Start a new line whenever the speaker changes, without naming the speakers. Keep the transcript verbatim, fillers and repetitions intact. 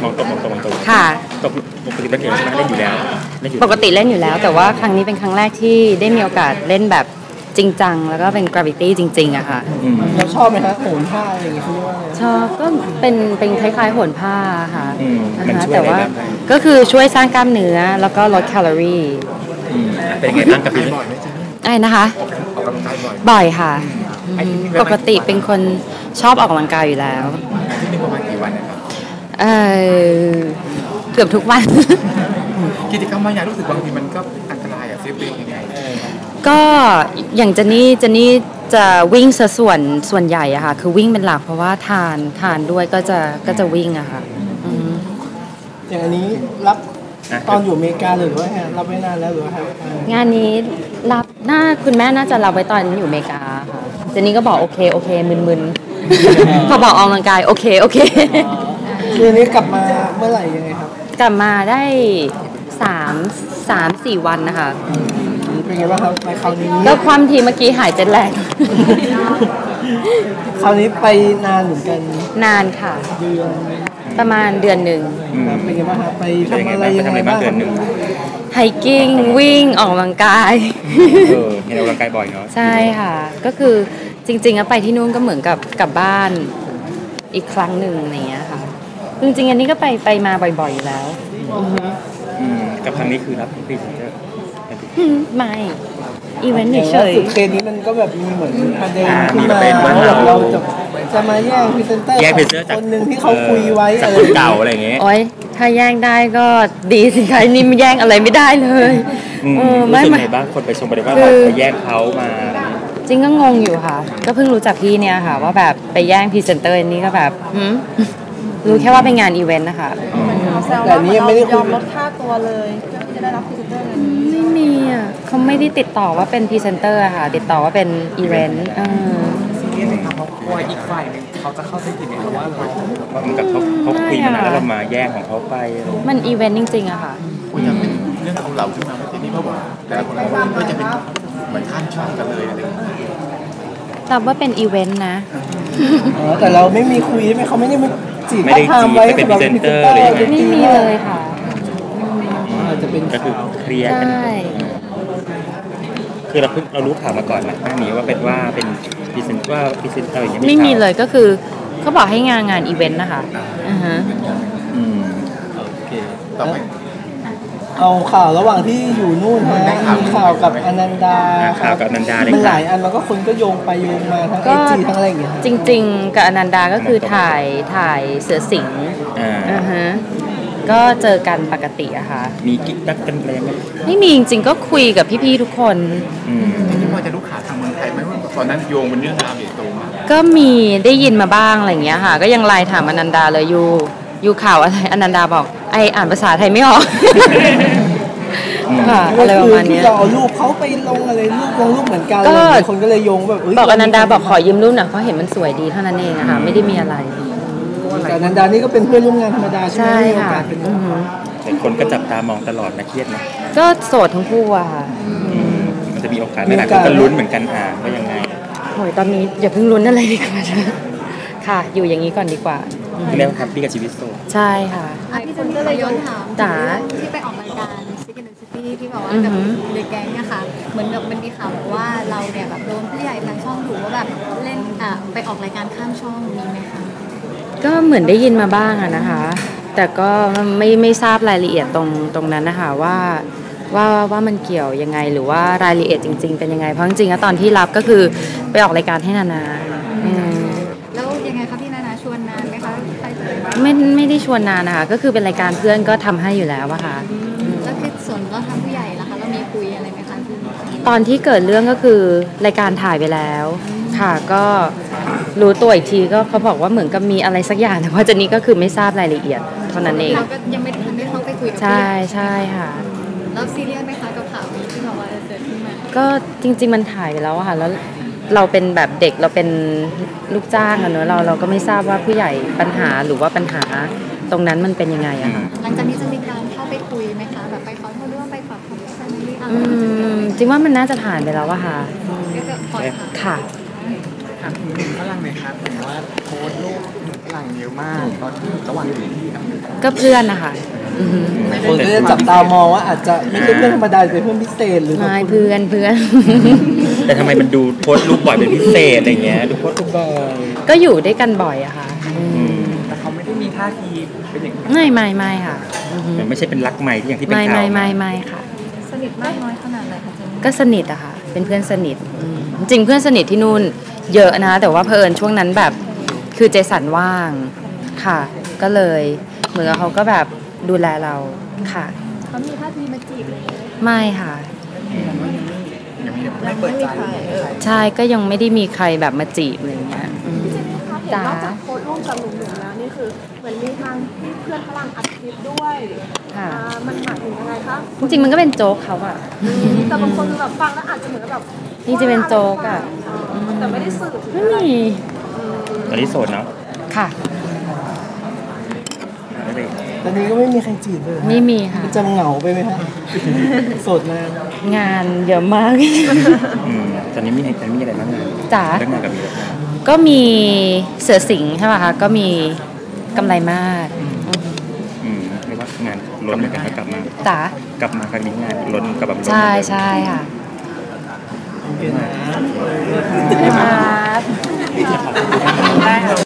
มองตรงมองตรงมองตรง
ค่ะ
ตกปกติเล่นอยู่ใช่ไหมเล่นอยู่แล้ว
ปกติเล่นอยู่แล้วแต่ว่าครั้งนี้เป็นครั้งแรกที่ได้มีโอกาสเล่นแบบจริงจังแล้วก็เป็น gravity จริงๆอะค่ะ
เราชอบไหมคะโหนผ้าอะไรอย่างเงี้ย
ชอบก็เป็นเป็นคล้ายๆโหนผ้าค่ะ
นะคะ
แต่ว่าก็คือช่วยสร้างกล้ามเนื้อแล้วก็ลดแคลอรี่
เป็นยังไงบ้างกับพี่บ่อยไหมจ๊ะ
ไอ้นะคะ
ออกกำลังกายบ่อย
บ่อยค่ะปกติเป็นคนชอบออกกำลังกายอยู่แล้ว
ที่นี่ประมาณกี่วันนะครับ
เออเกือบทุกวัน
กิจกรรมบางอย่างรู้สึกบางทีมันก็อันตรายอะเซฟตี้ยังไง
ก็อย่างเจนนี่เจนนี่จะวิ่งซะส่วนส่วนใหญ่อะค่ะคือวิ่งเป็นหลักเพราะว่าทานทานด้วยก็จะก็จะวิ่งอะค่ะ
อย่างอันนี้รับตอนอยู่อเมริกาหรือว่ารับไม่นานแล้วหรือว่าง
านนี้รับน่าคุณแม่น่าจะรับไว้ตอนอยู่อเมริกาค่ะเจนนี่ก็บอกโอเคโอเคมึนๆพอบอกออกกำลังกายโอเคโอเค
คือนี้กลับมาเมื่อไหร่ยังไงครับ
กลับมาได้สามสามสี่วันนะคะ
เป็นไงบ้างครับไปคราวนี้
แล้วความทีเมื่อกี้หายเจ็ดแรง
คราวนี้ไปนานเหมือนกัน
นานค่ะ
เดือน
ประมาณเดือนหนึ่ง
เป็นไงบ้างครับไปทำอะไรยังไงบ้าง
ไฮกิ้งวิ่งออกกำลังกาย
เออเห็นออกกำลังกายบ่อยเนาะ
ใช่ค่ะก็คือจริงๆแล้วไปที่นู่นก็เหมือนกับกลับบ้านอีกครั้งหนึ่งอย่างเงี้ยค่ะจริงๆอันนี้ก็ไปไปมาบ่อยๆอยู่แล้ว
กับครั้งนี้คือรับพรีเซนเตอร์
ไม่อีเวนต์เฉย
ๆเคสนี้มันก็แบบมีเหมือนประเด็นขึ้นมาว่าเราจะจะมาแย่งพรีเซนเตอร์คนหนึ่งที่เขาคุยไว้
อะไรเก่าอะไรอย่างเงี้ย
โอ๊ยถ้าแย่งได้ก็ดีสิคะนี่ไม่แย่งอะไรไม่ได้เลย
รู้สึกไงบ้างคนไปชมไปว่าเราไปแย่งเขามา
จริงก็งงอยู่ค่ะก็เพิ่งรู้จักพี่เนี่ยค่ะว่าแบบไปแย่งพรีเซนเตอร์นี่ก็แบบรู้แค่ว่าเป็นงานอีเวนต์นะคะ
แต่นี้ไม่ได้
ยอมลดค่าตัวเลยเพื่อที่จะได้รับพรีเซนเตอร์อะไรนี้
ไม่มีอ่ะเขาไม่ได้ติดต่อว่าเป็นพรีเซนเตอร์ค่ะติดต่อว่าเป็นอีเวนต์เออ
เขากลัวอีกฝ่ายนึงเขาจะเข้าใจผิดไหมว่าเราเหมือนกับเขาเขาคุยมานานแล้วเรามาแย่งของเขาไป
มันอีเวนต์จริงๆอะค่ะ
คุณยังเป็นเรื่องของเราขึ้นมาที่นี่เพราะว่าแต่ละคนก็จะเป็นเหมือนข้ามช่องกันเลยอะไรอย่างเงี้ย
แต่ว่าเป็นอีเวนต์นะ
แต่เราไม่มีคุยใช่ไหมเขาไม่ได้มาจีบ
ไม่ได้จีบเป็นพรีเซนเตอร์เลย
ไม่มีเลยค่ะ
อาจจะเป็น
ก็คือเคลียร์กันคือเราเพิ่งเรารู้ข่าวมาก่อนนะหน้านี้ว่าเป็นว่าเป็นพรีเซนต์ว่าพรีเซนเตอร์อย่างนี้
ไม่มีเลยก็คือเขาบอกให้งานงานอีเวนต์นะคะอือฮะ
อืมโอเคต่อไป
เอาข่าวระหว่างที่อยู่นู่นนะมีข่าวกับอนันดา
ข่าวกับอนันดา
มันหลายอันมันก็คนก็โยงไปโยงมาทั้งไอจีทั้งอะไรอย่างเงี้ย
จริงๆกับอนันดาก็คือถ่ายถ่ายเสือสิงห์อ่าฮะก็เจอกันปกติอะค่ะ
มีกิ๊กกักกันแรงไหม
ไม่มีจริงๆก็คุยกับพี่ๆทุกคน
ที่พอจะรู้ข่าวทางเมืองไทยไหมว่าตอนนั้นโยงเป็นเรื่องราวใหญ่โตมาก
ก็มีได้ยินมาบ้างอะไรอย่างเงี้ยค่ะก็ยังไลน์ถามอนันดาเลยยูยูข่าวอะไรอนันดาบอกไออ่านภาษาไทยไม่ออก
อะไรประมาณนี้เราเอารูปเขาไปลงอะไรรูปลงรูปเหมือนกันเลยคนก็เลยโยงแบบ
บอกอนันดาบอกขอยืมรูปหน่อยเพราะเห็นมันสวยดีเท่านั้นเองอะค่ะไม่ได้มีอะไร
แต่อนันดานี่ก็เป็นเพื่อนร่วมงานธรรมดาใช่ไหม
ใช่ค่ะ
แต่คนก็จับตามองตลอดนะเครียดนะ
ก็โสดทั้งคู่อะค่ะ
มันจะมีโอกาสไหมล่ะก็ลุ้นเหมือนกันอ่าว่ายังไง
โอ้ยตอนนี้อย่าเพิ่งลุ้นอะไรดีกว่าค่ะอยู่อย่างนี้ก่อนดีกว่า
เรียกว่าแฮปปี้กับชีวิตโสด
ใช่ค่ะ
พี่เจนก็เลยย้อนถาม
จ๋า
ที่ไปออกรายการซิกเนซิตี้ที่บอกว่ากับเด็กแก๊งเนี่ยค่ะเหมือนแบบมันมีข่าวว่าเราเนี่ยแบบโดนผู้ใหญ่ทางช่องถูกว่าแบบเล่นอ่ะไปออกรายการข้ามช่องมีไหมคะ
ก็เหมือนได้ยินมาบ้างอะนะคะแต่ก็ไม่ไม่ทราบรายละเอียดตรงตรงนั้นนะคะว่าว่าว่ามันเกี่ยวยังไงหรือว่ารายละเอียดจริงๆเป็นยังไงเพราะจริงๆแล้วตอนที่รับก็คือไปออกรายการให้นานา
แล้วยังไงคะพี่นานาชวนนานไหมคะ
ไม่ไม่ได้ชวนนานนะคะก็คือเป็นรายการเพื่อนก็ทำให้อยู่แล้วอะค่ะ
แล้วคือส่วนก็ทางผู้ใหญ่ล่ะคะเรามีคุยอะไรไหมคะ
ตอนที่เกิดเรื่องก็คือรายการถ่ายไปแล้วค่ะก็รู้ตัวอีกทีก็เขาบอกว่าเหมือนกับมีอะไรสักอย่างแต่ว่าเจนนี่ก็คือไม่ทราบรายละเอียดเท่านั้นเอง
เราก็ยังไม่ทันได้เข้าไปคุยกับ
ใช่ใช่ค่ะ
แล้วซีเรียสไหมคะกับข่าวนี้ที่บอกว่าเกิดขึ้นมา
ก็จริงๆมันถ่ายไปแล้วค่ะแล้วเราเป็นแบบเด็กเราเป็นลูกจ้างอะเนอะเราเราก็ไม่ทราบว่าผู้ใหญ่ปัญหาหรือว่าปัญหาตรงนั้นมันเป็นยังไงอะค่ะ
หลังจากนี้จะมีการเข้าไปคุยไหมคะแบบไปขอโทษหรือว่าไปปรับความเข้าใจอะไร
อืมจริงว่ามันน่าจะผ่านไปแล้วอะค่ะ
ก็จะปล่อย
ค่ะ
ถามถึงฝรั่งหน่อยครับเหมือนว่าโพสต์รูป
หลังเยอะมากตอนที่ระหว่างอยู่ที่ครับ
ก็เพื่อนนะคะอือฮึ
คนก็จะจับตามองว่าอาจจะไม่ใช่เพื่อนธรรมดาเป็นเพื่อนพิเศษหรือ
ไม่เพื่อนเพื่อน
แต่ทำไมมันดูโพสต์รูปบ่อยเป็นพิเศษอะไรเงี้ยดูโพสต์รูปบ่อย
ก็อยู่ด้วยกันบ่อยอะค่ะอืม
แต่เขาไม่ได้มีท่าทีเป็นอย่างนั้น
ไม่ไม่ไม่ค่ะอือฮึ
มันไม่ใช่เป็นรักใหม่ที่อย่างที่เป็น
ไม่
ข่าว
ไม่ไม่ไม่ค่ะ
สนิทมากน้อยขนาดไหนคะเจนนี่
ก็สนิทอะค่ะ เป็นเพื่อนสนิทอืมจริงๆเพื่อนสนิทที่นู่นเยอะนะ แต่ว่าเผอิญช่วงนั้นแบบคือเจสันว่างค่ะ ก็เลยเหมือนกับเขาก็แบบดูแลเราค่ะ
เขามีท่าทีมาจีบเลย
ไม่ค่ะ
ยังไม่
ยังไม่มีใครเออ
ใช่ก็ยังไม่ได้มีใครแบบมาจีบอะไรเงี้ยอืม
เห็น
จ้าน
อกจากโพสต์ร่วมกับหนุ่มๆแล้วนี่คือเหมือนมีทางที่เพื่อนฝรั่งอัดคลิปด้วย
ค่ะ
อ่ามันหมายถึงยังไงคะ
จริงๆมันก็เป็นโจ๊กเขาอะ
แต่บางคนแบบฟังแล้วอาจจะเหมือนกับแบบ
จริงๆเป็นโจ๊กอะ
แต่ไม่ได้สื่อถึง
ไม่
อะไร
มี
ตอนนี้โสดเนาะ
ค่ะ
ไม่เป็น
ตอนนี้ก็ไม่มีใครจีบเลย
ไม่มีค่ะ
จะเหงาไปไหมฮะโสดนาน
งานเยอะมาก
อืมตอนนี้มีตอนนี้มีอะไรบ้างงาน
จ๋า
เรื่องงานกับมีอะไรบ้าง
ก็มีเสือสิงห์ใช่ป่ะคะ ก็มีกำไรมาศ
อืมเรียกว่างานล้นเหมือนกันนะกลับมา
จ๋าก
ลับมาครั้งนี้งานล้นกับแบบล้น
ใช่ใช่ค่ะ
โอเคนะ
ครับ